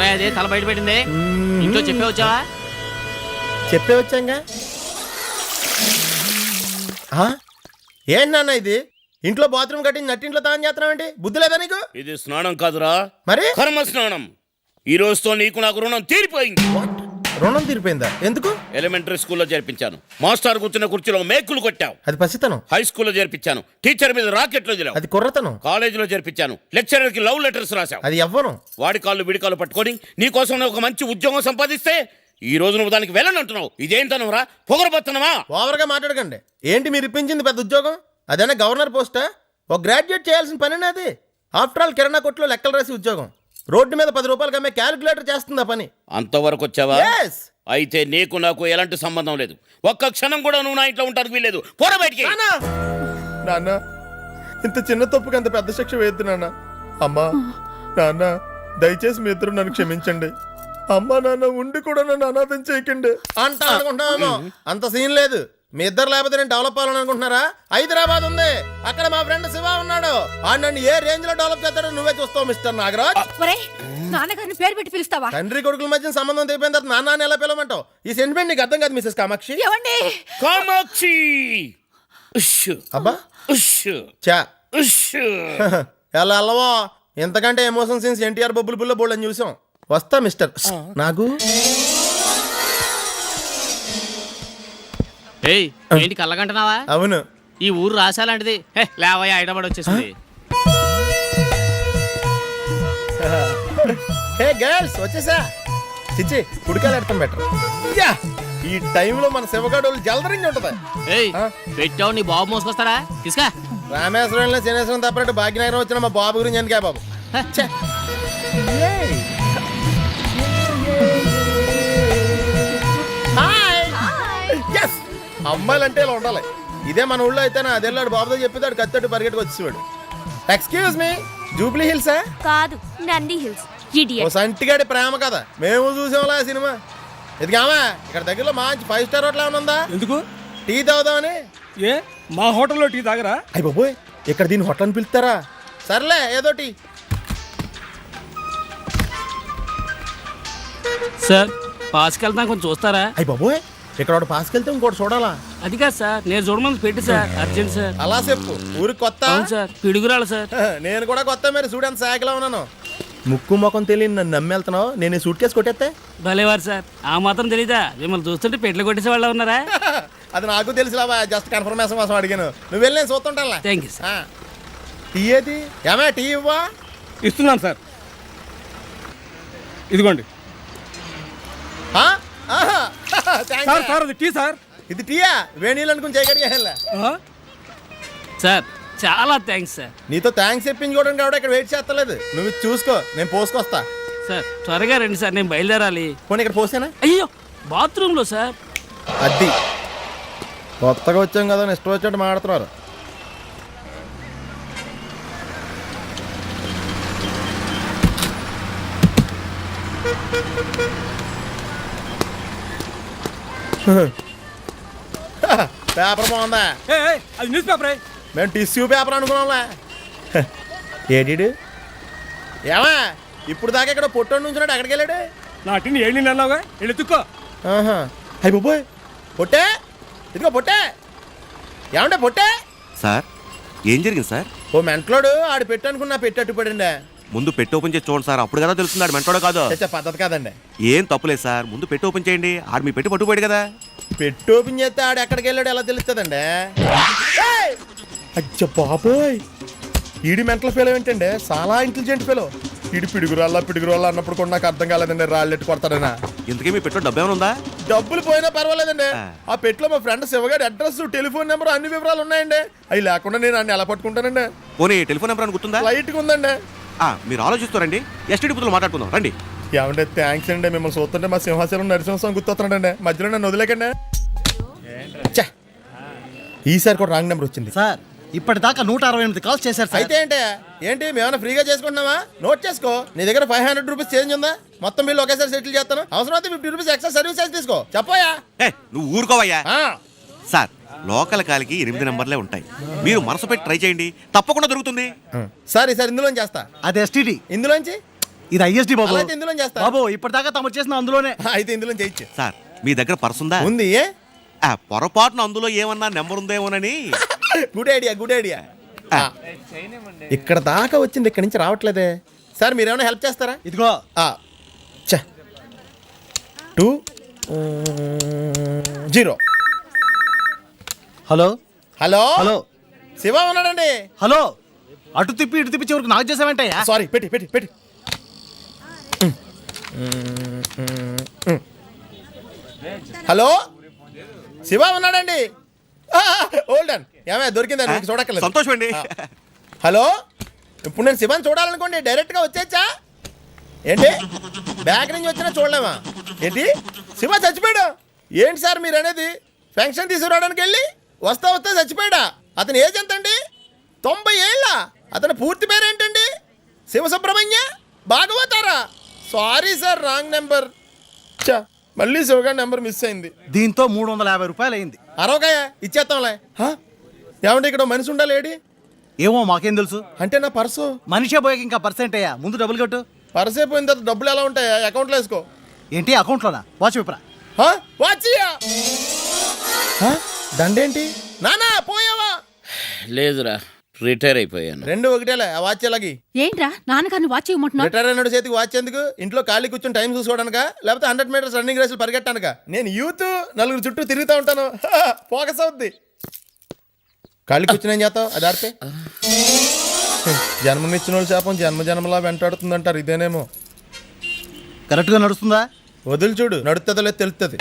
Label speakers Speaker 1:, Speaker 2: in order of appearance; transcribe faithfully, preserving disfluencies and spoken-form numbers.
Speaker 1: ఏంటా అది తల బయట పెట్టింది? ఇంట్లో చెప్పే వచ్చావా?
Speaker 2: చెప్పే వచ్చాంగా. ఏంటి నాన్న ఇది? ఇంట్లో బాత్రూమ్ కట్టించి నట్టింట్లో తాను చేస్తున్నావేంటి? బుద్ధి లేదా నీకు?
Speaker 3: ఇది స్నానం కాదురా,
Speaker 2: మరి
Speaker 3: కర్మ స్నానం. ఈ రోజుతో నీకు నాకు రుణం తీరిపోయింది.
Speaker 2: రుణం తీరిపోయిందా? ఎందుకు?
Speaker 3: ఎలిమెంటరీ స్కూల్లో చేర్పించాను, మాస్టర్ కూర్చున్న కుర్చీలో మేకులు కొట్టావు.
Speaker 2: అది పసితనం.
Speaker 3: హై స్కూల్లో చేర్పించాను, టీచర్ మీద రాకెట్లు వదిలావు.
Speaker 2: అది కుర్రతనం.
Speaker 3: కాలేజీలో చేర్పించాను, లెక్చరర్ కి లవ్ లెటర్స్ రాశావు.
Speaker 2: అది ఎవ్వరం.
Speaker 3: వాడి కాళ్ళు విడి కాళ్ళు పట్టుకొని నీ కోసం ఒక మంచి ఉద్యోగం సంపాదిస్తే ఈ రోజు నువ్వు దానికి వెళ్ళనంటున్నావు. ఇదేంటనవరా? పొగరబోతున్నావా?
Speaker 2: ఓవర్గా మాట్లాడకండి. ఏంటి మీరు ఇప్పించింది పెద్ద ఉద్యోగం? అదేనా గవర్నర్ పోస్టా? ఒక గ్రాడ్యుయేట్ చేయాల్సిన పని అది. ఆఫ్టర్ ఆల్ కిరాణా కొట్లో లెక్కలు రాసి ఉద్యోగం. రోడ్డు మీద పది రూపాయలకి అమ్మే క్యాలిక్యులేటర్ చేస్తుంది ఆ పని.
Speaker 3: అంతవరకు వచ్చావా?
Speaker 2: Yes.
Speaker 3: అయితే నీకు నాకు ఎలాంటి సంబంధం లేదు. ఒక్క క్షణం కూడా నువ్వు నా ఇంట్లో ఉంటానికి వీల్లేదు. పోరా బయటికి.
Speaker 2: నాన్న, ఇంత చిన్న తప్పుకి అంత పెద్ద శిక్ష వేయద్దు నాన్న. అమ్మా నాన్న, దయచేసి మీ ఇద్దరు నన్ను క్షమించండి. అమ్మా నాన్న ఉండి కూడా నన్ను అనాథం చేయకండి అంట అనుకుంటున్నాను. అంత సీన్ లేదు. మీ ఇద్దరు లేకపోతే నేను డెవలప్ అవ్వాలని అనుకుంటున్నారా? హైదరాబాద్ ఉంది, అక్కడ మా ఫ్రెండ్ శివ ఉన్నాడు. ఆ నన్ను ఏ రేంజ్ లో డెవలప్ చేస్తాడో నువ్వే చూస్తావు మిస్టర్ నాగరాజ్.
Speaker 4: నాన్నగారిని పేరు పెట్టి పిలుస్తావా?
Speaker 2: తండ్రి కొడుకుల మధ్య సంబంధం తెగిపోయిన తర్వాత నాన్న ఎలా పిలవమంటావు? ఈ సెంటిమెంట్ నీకు అర్థం కాదు మిసెస్ కామాక్షి.
Speaker 4: ఏమండి?
Speaker 3: కామాక్షి
Speaker 2: అబ్బా చా ఎలా అల్లవా? ఎంతకంటే ఎమోషన్ సీన్స్ ఎన్టీఆర్ బొబ్బులు బుల్ల బోల్డ్ అని చూసాం. వస్తా మిస్టర్ నాగు.
Speaker 1: ఏయ్, ఏంటి కళ్ళగంటున్నావా?
Speaker 2: అవును,
Speaker 1: ఈ ఊరు రాసాలాంటిది. లేవయ్యా, హైదరాబాద్ వచ్చేసింది.
Speaker 2: హే గర్ల్స్, వచ్చేసా. చిచ్చి కుడికాయలు ఎడతాం బెటర్. యా, ఈ టైంలో మన శివగాడు జలదరించి ఉంటది.
Speaker 1: ఏయ్, పెట్టావు నీ బాబు మోసుకొస్తాడా? తీసుకా.
Speaker 2: రామేశ్వరంలో శనేశ్వరం తప్పనట్టు భాగ్యనగరం వచ్చిన మా బాబు గురించి ఎందుకే బాబు? అమ్మాయిలంటే ఇలా ఉండాలి. ఇదే మన ఊళ్ళో అయితే నా అదేళ్ళాడు బాబుతో చెప్పేదాడు కత్తట్టు పరిగెట్టుకు వచ్చేవాడు. ఎక్స్క్యూజ్ మీ, జూబ్లీ హిల్సా?
Speaker 4: కాదు, నంది హిల్స్.
Speaker 2: ఓ సంటిగాడి ప్రేమ కదా, మేము చూసాంలా సినిమా. ఇదిగామా ఇక్కడ దగ్గరలో మంచి ఫైవ్ స్టార్ హోటల్ ఏమైనా ఉందా?
Speaker 5: ఎందుకు?
Speaker 2: టీ తాగుదామని.
Speaker 5: ఏ మా హోటల్లో టీ తాగరా?
Speaker 2: అయ్య బాబోయ్, ఇక్కడ దీన్ని హోటల్ అని పిలుస్తారా? సర్లే ఏదో టీ.
Speaker 1: సార్, పాస్కి వెళ్తాం, కొంచెం చూస్తారా?
Speaker 2: అయ్య బాబోయ్, ఇక్కడ ఒకటి పాస్కి వెళ్తే ఇంకోటి చూడాలా?
Speaker 1: అది కాదు సార్, నేను చూడమని పెట్టి సార్, అర్జెంట్ సార్.
Speaker 2: అలా చెప్పు. ఊరికి కొత్త?
Speaker 1: అవును సార్, పిడుగురాలు సార్.
Speaker 2: నేను కూడా కొత్త. మీరు స్టూడెంట్ సాకిలో ఉన్నాను. ముక్కు ముఖం తెలియని నన్ను నమ్మి వెళ్తున్నావు. నేను ఈ సూట్ కేసు కొట్టేస్తే
Speaker 1: భలేవారు సార్. ఆ మాత్రం తెలీదా? మిమ్మల్ని చూస్తుంటే పెట్లు కొట్టేసే వాళ్ళు ఉన్నారా?
Speaker 2: అది నాకు తెలుసులావా, జస్ట్ కన్ఫర్మేషన్ కోసం అడిగాను. నువ్వు వెళ్ళి నేను చూస్తుంటా.
Speaker 1: Thank you sir.
Speaker 2: టీ ఏది? ఏమే టీ ఇవ్వా?
Speaker 5: ఇస్తున్నాను సార్, ఇదిగోండి. సార్ సార్ అది టీ సార్.
Speaker 2: ఇది టీయా? వేణీళ్ళు అనుకుని చేయగలిగా.
Speaker 1: సార్ చాలా థ్యాంక్స్ సార్.
Speaker 2: నీతో థ్యాంక్స్ చెప్పించుకోవడానికి కూడా ఇక్కడ వెయిట్ చేస్తలేదు. నువ్వు చూసుకో, నేను పోసుకొస్తా.
Speaker 1: సార్ త్వరగా రండి సార్, నేను బయలుదేరాలి.
Speaker 2: పోనీ ఇక్కడ పోసానా?
Speaker 1: అయ్యో, బాత్రూంలో సార్.
Speaker 2: అది కొత్తగా వచ్చాం కదా, ఇష్టం వచ్చినట్టు మాడుతున్నారు. పేపర్ బాగుందా?
Speaker 5: అది న్యూస్ పేపరే.
Speaker 2: మేము టిష్యూ పేపర్ అనుకున్నాంలే. ఏడీడు ఏమా ఇప్పుడు దాకా ఇక్కడ పొట్టోడు నుంచున్నాడు, ఎక్కడికి వెళ్ళాడు?
Speaker 5: నా టిని ఏళ్ళు నెలవుగా వెళ్ళి ఎత్తుక్కో.
Speaker 2: అయ్యి బాబోయ్, పొట్టే ఇదిగో పొట్టే. ఏమంటే పొట్టే?
Speaker 6: సార్ ఏం జరిగింది సార్?
Speaker 2: ఓ మెంట్లోడు ఆడు పెట్టు అనుకున్నా పెట్టి అట్టుపడండి.
Speaker 6: ముందు పెట్టి ఓపెన్ చేసి చూడండి సార్, అప్పుడు కదా తెలుస్తుంది ఆడు మెంటోడో కాదో.
Speaker 2: పద్ధతి కాదండి.
Speaker 6: ఏం తప్పులేదు సార్, ముందు పెట్టి ఓపెన్ చేయండి. ఆడు మీ పెట్టి పట్టుకుపోయాడు కదా.
Speaker 2: పెట్టి ఓపెన్ చేస్తే ఆడు ఎక్కడికి వెళ్ళాడు ఎలా తెలుస్తుందండి? అచ్చ బాబోయ్, ఈడి మెంటల్ ఫెలో ఏంటండి? చాలా ఇంటెలిజెంట్ ఫెలో. ఈడి పిడుగురాళ్ళ పిడుగురాళ్ళ అన్నప్పుడు కూడా నాకు అర్థం కాలేదండి, రాళ్ళెట్టు కొడతాడనా.
Speaker 6: ఇంతకీ మీ పెట్టో డబ్బు ఏమైనా ఉందా?
Speaker 2: డబ్బులు పోయినా పర్వాలేదండి. ఆ పెట్టిలో మా ఫ్రెండ్ శివగాడి అడ్రస్, టెలిఫోన్ నెంబర్, అన్ని వివరాలు ఉన్నాయండి. అవి లేకుండా నేను అన్ని ఎలా పట్టుకుంటానండి?
Speaker 6: పోనీ టెలిఫోన్ నెంబర్ అని గుర్తుందా?
Speaker 2: లైట్గా ఉందండి.
Speaker 6: మీరు ఆలోచిస్తారండి, ఎస్టీడీ బుద్ధులు మాట్లాడుకుందాం రండి.
Speaker 2: ఏమంటే థ్యాంక్స్ అండి, మిమ్మల్ని చూస్తుంటే మా సింహాచలం నరసింహస్వామి గుర్తొస్తున్నాడండి. మధ్యలో నన్ను వదిలేకండి. ఈసారి కూడా రాంగ్ నెంబర్ వచ్చింది
Speaker 7: సార్. ఇప్పటిదాకా నూట అరవై ఎనిమిది కాల్స్ చేశారు సార్.
Speaker 2: అయితే ఏంటి ఏంటి మేమైనా ఫ్రీగా చేసుకుంటున్నావా? నోట్ చేసుకో. నీ దగ్గర ఫైవ్ హండ్రెడ్ రూపీస్ చేంజ్ ఉందా? మొత్తం బిల్లు ఒకేసారి సెటిల్ చేస్తాను. అవసరం అయితే fifty rupees extra service charge తీసుకో. చెప్పోయా?
Speaker 6: నువ్వు ఊరుకోవయ్యా. సార్ లోకల్ కాలికి ఎనిమిది నెంబర్లే ఉంటాయి, మీరు మనసు పెట్టి ట్రై చేయండి, తప్పకుండా దొరుకుతుంది.
Speaker 2: సరే సార్, ఇందులోంచి చేస్తా.
Speaker 7: అది ఎస్టీడీ.
Speaker 2: ఇందులోంచి
Speaker 7: ఇది ఐఎస్డి బాబు.
Speaker 2: అలా అయితే ఇందులో చేస్తా.
Speaker 7: బాబు ఇప్పటిదాకా తమరు చేసిన అందులోనే.
Speaker 2: అయితే ఇందులో చేయొచ్చు.
Speaker 6: సార్ మీ దగ్గర పర్స్ ఉందా?
Speaker 2: ఉంది. ఏ
Speaker 6: ఆ, పొరపాటున అందులో ఏమన్నా నెంబర్ ఉందేమోనని.
Speaker 2: Good idea good idea. ఇక్కడ దాకా వచ్చింది, ఇక్కడి నుంచి రావట్లేదే. సార్ మీరేమైనా హెల్ప్ చేస్తారా?
Speaker 7: ఇదిగో
Speaker 2: two zero.
Speaker 7: Hello
Speaker 2: hello
Speaker 7: hello
Speaker 2: Shiva ఉన్నాడండి.
Speaker 7: హలో అటు తిప్పి ఇటు తిప్పి చివరికి నాకు చేసావేంటయ్యా?
Speaker 2: సారీ పెట్టి పెట్టి పెట్టి హలో శివ ఉన్నాడండి. ఓల్డన్ ఏమే దొరికిందండి, మీకు చూడక్కర్లేదు.
Speaker 6: సంతోషం అండి.
Speaker 2: హలో ఇప్పుడు నేను శివని చూడాలనుకోండి డైరెక్ట్గా వచ్చేచ్చా ఏంటి? బ్యాక్ నుంచి వచ్చినా చూడలేమా ఏంటి? శివ చచ్చిపోయాడు. ఏంటి సార్ మీరు అనేది? ఫంక్షన్ తీసుకురావడానికి వెళ్ళి వస్తా వస్తా చచ్చిపోయాడా? అతని ఏజ్ ఎంత అండి? తొంభై ఏళ్ళ. అతని పూర్తి పేరు ఏంటండి? శివ సుబ్రహ్మణ్య భాగవతారా? Sorry sir wrong number. చా మళ్ళీ శివగారి నెంబర్ మిస్ అయింది.
Speaker 7: దీంతో మూడు వందల యాభై రూపాయలు అయింది.
Speaker 2: అరవకాయ ఇచ్చేస్తాంలే. హా? ఏమంటే ఇక్కడ మనిషి ఉండాలేడి?
Speaker 7: ఏమో మాకేం తెలుసు.
Speaker 2: అంటే నా పర్సు
Speaker 7: మనిషే పోయాక ఇంకా పర్సెంట్ అయ్యా, ముందు డబ్బులు కట్టు.
Speaker 2: పర్సు అయిపోయిన తర్వాత డబ్బులు ఎలా ఉంటాయా? అకౌంట్లో వేసుకో.
Speaker 7: ఏంటి అకౌంట్లోనా? వాచ్ విప్రా.
Speaker 2: హా? వాచియా? హా? దండేంటి నానా పోయావా?
Speaker 3: లేదురా, రిటైర్ అయిపోయాను.
Speaker 2: రెండు ఒకటేలే. ఆ వాచ్ ఎలాగి?
Speaker 4: ఏంట్రా నాన్నగారిని వాచ్ ఇవ్వమంటున్నావు?
Speaker 2: రిటైర్ అయినాడు చేతికి వాచ్ ఎందుకు? ఇంట్లో ఖాళీ కూర్చొని టైం చూసుకోవడానిక, లేకపోతే హండ్రెడ్ మీటర్స్ రన్నింగ్ రేసులు పరిగెట్టానుక? నేను యూత్ నలుగురు చుట్టూ తిరుగుతూ ఉంటాను. ఫోకస్ అవుద్ది. ఖాళీ కూర్చుని ఏం చేస్తావు? అది ఆడితే జన్మనిచ్చిన వాళ్ళు శాపం జన్మ జన్మలా వెంటాడుతుందంటారు. ఇదేనేమో.
Speaker 7: కరెక్ట్గా నడుస్తుందా?
Speaker 2: వదిలి చూడు, నడుతుందో లేదు తెలుస్తుంది.